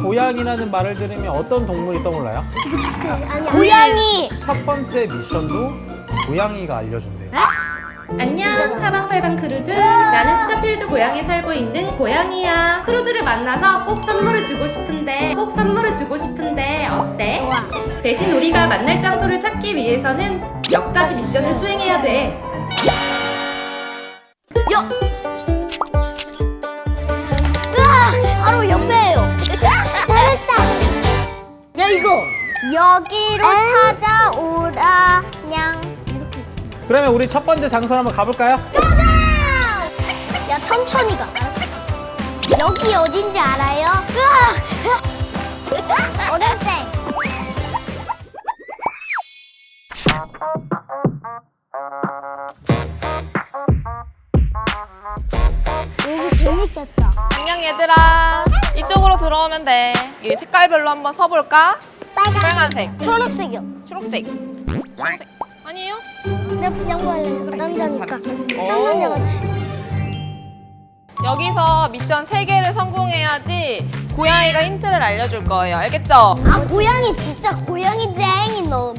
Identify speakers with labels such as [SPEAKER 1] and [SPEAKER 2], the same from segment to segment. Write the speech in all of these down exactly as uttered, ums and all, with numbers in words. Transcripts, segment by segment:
[SPEAKER 1] 고양이라는 말을 들으면 어떤 동물이 떠올라요?
[SPEAKER 2] 고양이.
[SPEAKER 1] 첫 번째 미션도 고양이가 알려준대요.
[SPEAKER 3] 안녕 사방팔방 크루들, 나는 스타필드 고향에 살고 있는 고양이야. 크루들을 만나서 꼭 선물을 주고 싶은데 꼭 선물을 주고 싶은데 어때? 대신 우리가 만날 장소를 찾기 위해서는 몇 가지 미션을 수행해야 돼.
[SPEAKER 2] 여. 으아! 바로 옆에요. 잘했다. 야 이거 여기로 찾아오라 냥.
[SPEAKER 1] 그러면 우리 첫 번째 장소로 한번 가볼까요?
[SPEAKER 2] 야 천천히 가. 여기 어딘지 알아요? 으아! 어릴 때. 여기 재밌겠다.
[SPEAKER 4] 안녕 얘들아, 이쪽으로 들어오면 돼. 이 색깔별로 한번 서볼까? 빨간색,
[SPEAKER 2] 초록색이요.
[SPEAKER 4] 초록색, 초록색 아니에요?
[SPEAKER 2] 나 부장부 할래요. 남자니까.
[SPEAKER 4] 잘했어.
[SPEAKER 2] 쌍남자같이.
[SPEAKER 4] 여기서 미션 세 개를 성공해야지 고양이가 힌트를 알려줄 거예요. 알겠죠?
[SPEAKER 2] 아 고양이 진짜 고양이 쟁이 너무.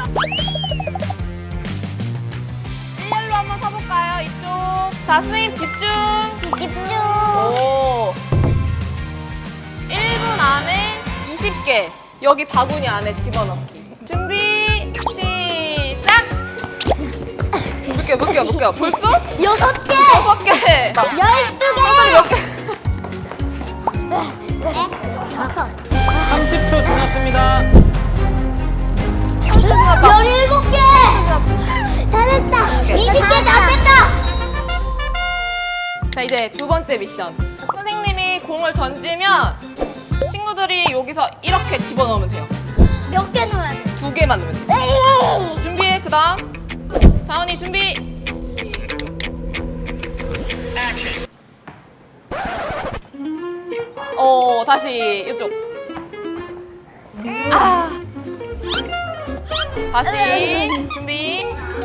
[SPEAKER 4] 일렬로 한번 서볼까요? 이쪽. 자, 선생님 집중.
[SPEAKER 2] 집중.
[SPEAKER 4] 오. 일 분 안에 이십 개. 여기 바구니 안에 집어넣기. 준비, 시작! 몇 개, 몇 개, 몇 개야? 벌써?
[SPEAKER 2] 여섯 개.
[SPEAKER 4] 여섯 개!
[SPEAKER 2] 열두 개.
[SPEAKER 4] 몇 개?
[SPEAKER 2] 네. 다섯.
[SPEAKER 1] 삼십 초 지났습니다.
[SPEAKER 2] 열일곱 개. 잘했다. 이십 개 다 됐다.
[SPEAKER 4] 자, 이제 두 번째 미션. 선생님이 공을 던지면 친구들이 여기서 이렇게 집어넣으면 돼요.
[SPEAKER 2] 몇 개 넣어야 돼?
[SPEAKER 4] 두 개만 넣으면 돼. 준비해, 그 다음. 다운이 준비. 어, 다시 이쪽. 아. 다시 준비.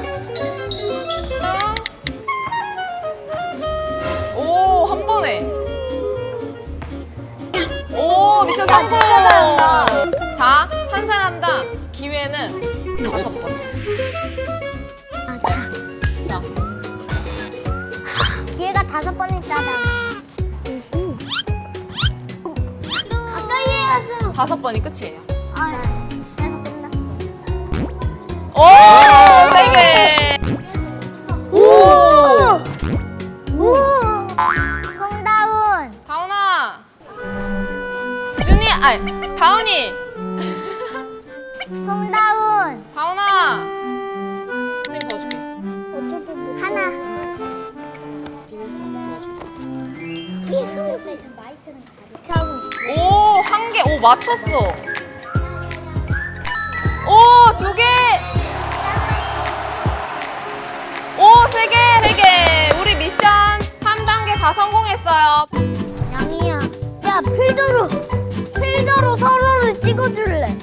[SPEAKER 4] 오, 한 번에. 오, 미션 성공. 자, 한 사람당 기회는 다섯 번. 자,
[SPEAKER 2] 기회가 다섯 번 있잖아. 가까이 해야죠.
[SPEAKER 4] 다섯 번이 끝이에요.
[SPEAKER 2] 아, 그래서 끝났어.
[SPEAKER 4] 오, 세 개.
[SPEAKER 2] 오! 오! 성다운.
[SPEAKER 4] 다운아. 준이, 아니, 다운이.
[SPEAKER 2] 성다운.
[SPEAKER 4] 다운아. 선생님 도와줄게.
[SPEAKER 2] 하나.
[SPEAKER 4] 도와줄게.
[SPEAKER 2] 위에 손으로 빼자. 마이크는 가볍게 하고 있어.
[SPEAKER 4] 오, 한 개. 오, 맞췄어. 오, 두 개. 오, 세 개, 세 개. 우리 미션 삼 단계 다 성공했어요.
[SPEAKER 2] 양이야. 야, 필더로. 필더로 서로를 찍어줄래.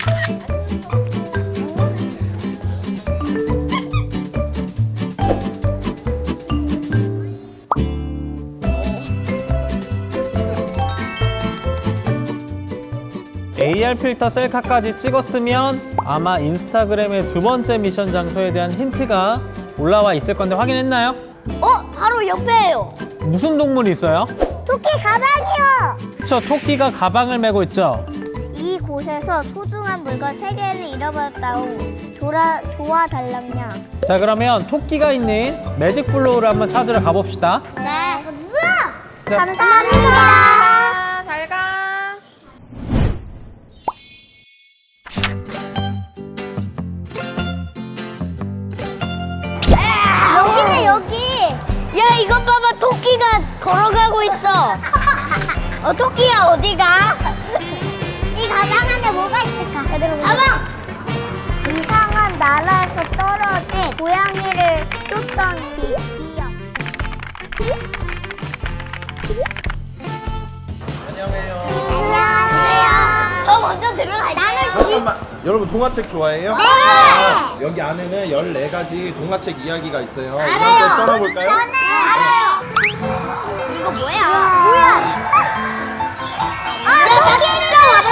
[SPEAKER 1] 에이알 필터 셀카까지 찍었으면 아마 인스타그램의 두 번째 미션 장소에 대한 힌트가 올라와 있을 건데 확인했나요?
[SPEAKER 2] 어? 바로 옆에요.
[SPEAKER 1] 무슨 동물이 있어요?
[SPEAKER 2] 토끼 가방이요.
[SPEAKER 1] 그쵸, 토끼가 가방을 메고 있죠?
[SPEAKER 2] 이곳에서 소중한 물건 세 개를 잃어버렸다고 돌아, 도와달랍냐.
[SPEAKER 1] 자, 그러면 토끼가 있는 매직 플로우를 한번 찾으러 가봅시다.
[SPEAKER 2] 네.
[SPEAKER 1] 자,
[SPEAKER 2] 감사합니다.
[SPEAKER 4] 자, 잘 가.
[SPEAKER 2] 여기네 여기. 야 이것 봐봐, 토끼가 걸어가고 있어. 어 토끼야 어디가? 이 가방 안에 뭐가 있을까? 가방. 이상한 나라에서 떨어진 고양이를 쫓던 기, 기억.
[SPEAKER 1] 안녕해요.
[SPEAKER 2] 안녕하세요. 저 먼저 들어갈게요. 나는
[SPEAKER 5] 잠깐만, 여러분 동화책 좋아해요?
[SPEAKER 2] 네.
[SPEAKER 5] 아, 여기 안에는 열네 가지 동화책 이야기가 있어요. 이거
[SPEAKER 2] 알아요.
[SPEAKER 5] 한번 떠나볼까요?
[SPEAKER 2] 저는 알아요. 이거 뭐야? 뭐야? 아, 나 진짜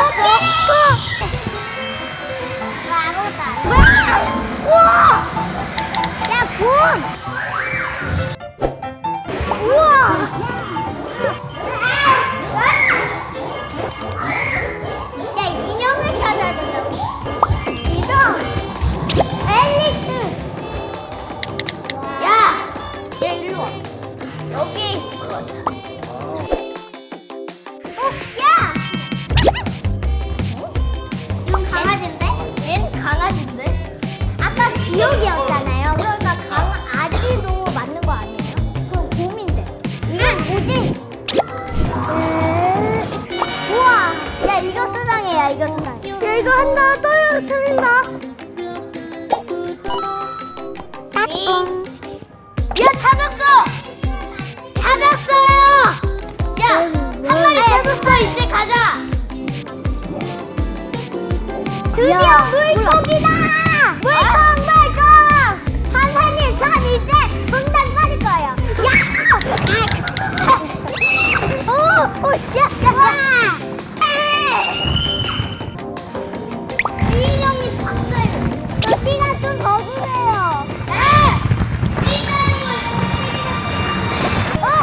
[SPEAKER 2] 이겼어. 야 이거 한다. 또요 틀린다. 따뚱. 야 찾았어. 찾았어요. 야 한 마리 찾았어. 이제 가자. 드디어 물고기다. 물고기. 선생님, 전 이제 분당 빠질 거예요. 야! 오, 오, 야, 야! 지인 형이 봤어요. 저 시간 좀 더 주세요. 어?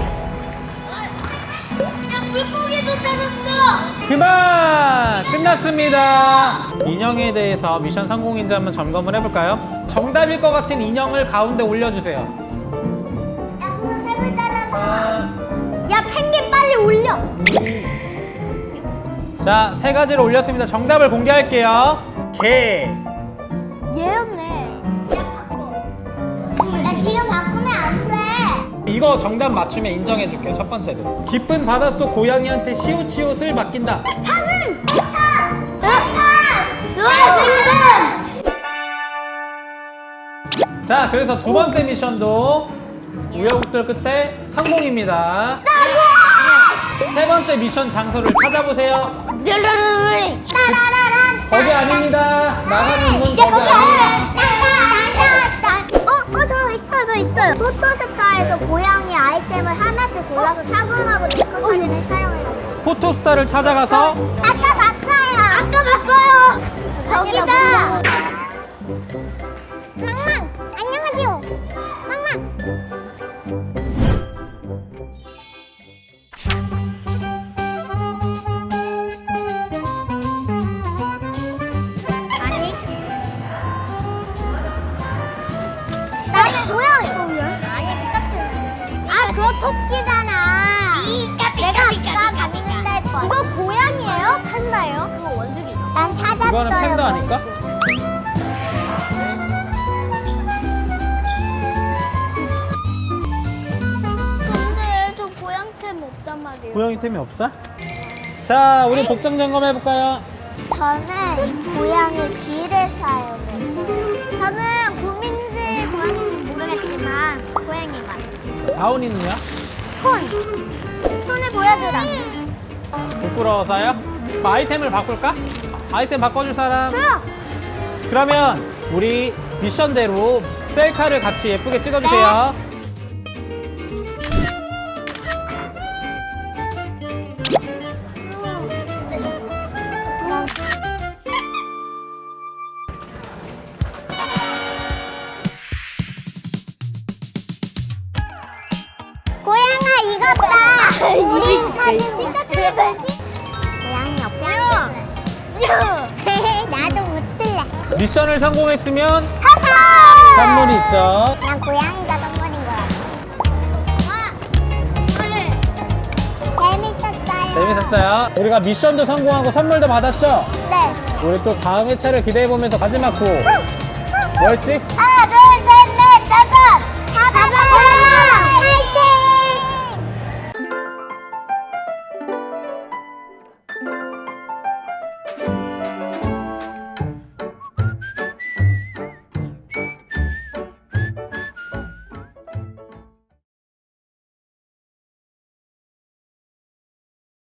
[SPEAKER 2] 야, 물고기도 찾았어.
[SPEAKER 1] 그만! 끝났습니다. 인형에 대해서 미션 성공인지 한번 점검을 해볼까요? 정답일 것 같은 인형을 가운데 올려주세요.
[SPEAKER 2] 야, 그거 세 글자잖아.
[SPEAKER 1] 자,
[SPEAKER 2] 야, 펭귄 빨리 올려.
[SPEAKER 1] 자, 세 가지를 올렸습니다. 정답을 공개할게요. 개.
[SPEAKER 2] 얘였네. 야, 바꿔. 나 지금 바꾸면 안 돼.
[SPEAKER 1] 이거 정답 맞추면 인정해줄게요. 첫 번째도. 깊은 바닷속 고양이한테 시옷시옷을 맡긴다.
[SPEAKER 2] 사슴! 사! 사! 노아지는!
[SPEAKER 1] 자, 그래서 두 번째 미션도 우여곡절 끝에 성공입니다. 세 번째 미션 장소를 찾아보세요.
[SPEAKER 2] 따라라란!
[SPEAKER 1] 거기 아닙니다. 나가는 문
[SPEAKER 2] 야,
[SPEAKER 1] 거기
[SPEAKER 2] 거기
[SPEAKER 1] 아니에요.
[SPEAKER 2] 아니야. 어, 어, 저 있어, 저 있어요. 포토스타에서 고양이 아이템을 하나씩 골라서 착용하고 네컷 사진을 촬영해요.
[SPEAKER 1] 포토스타를 찾아가서
[SPEAKER 2] 아까 봤어요. 아까 봤어요. 저기다. 망망, 안녕하세요. 망망. 아니. 나는 고양이. 아니, 피카츄는. 아, 그거 토끼잖아. 내가 아까 갔는데 했거든. 이거 고양이에요? 판다예요? 그거 원숭이죠. 난 찾았어요.
[SPEAKER 1] 이거는 팬더 아닐까?
[SPEAKER 2] 근데 저 고양템 없단 말이에요.
[SPEAKER 1] 고양이 템이 없어? 자, 우리 복장 점검 해볼까요?
[SPEAKER 2] 저는 이 고양이 귀를 사용해요. 저는 곰인지 고양인지 모르겠지만 고양이만.
[SPEAKER 1] 다운이는요?
[SPEAKER 2] 손! 손을 보여주라.
[SPEAKER 1] 부끄러워서요? 뭐 아이템을 바꿀까? 아이템 바꿔줄 사람?
[SPEAKER 2] 줘요!
[SPEAKER 1] 그러면 우리 미션대로 셀카를 같이 예쁘게 찍어주세요.
[SPEAKER 2] 고양아 이것 봐! 우리 사진 찍어줘야지. 고양이 없구나. 나도 못 들래.
[SPEAKER 1] 미션을 성공했으면
[SPEAKER 2] 사사!
[SPEAKER 1] 선물이 있죠.
[SPEAKER 2] 난 고양이가 선물인 거야. 재밌었어요.
[SPEAKER 1] 재밌었어요. 우리가 미션도 성공하고 선물도 받았죠?
[SPEAKER 2] 네.
[SPEAKER 1] 우리 또 다음 회차를 기대해보면서 마지막 구 뭐였지?
[SPEAKER 2] 아!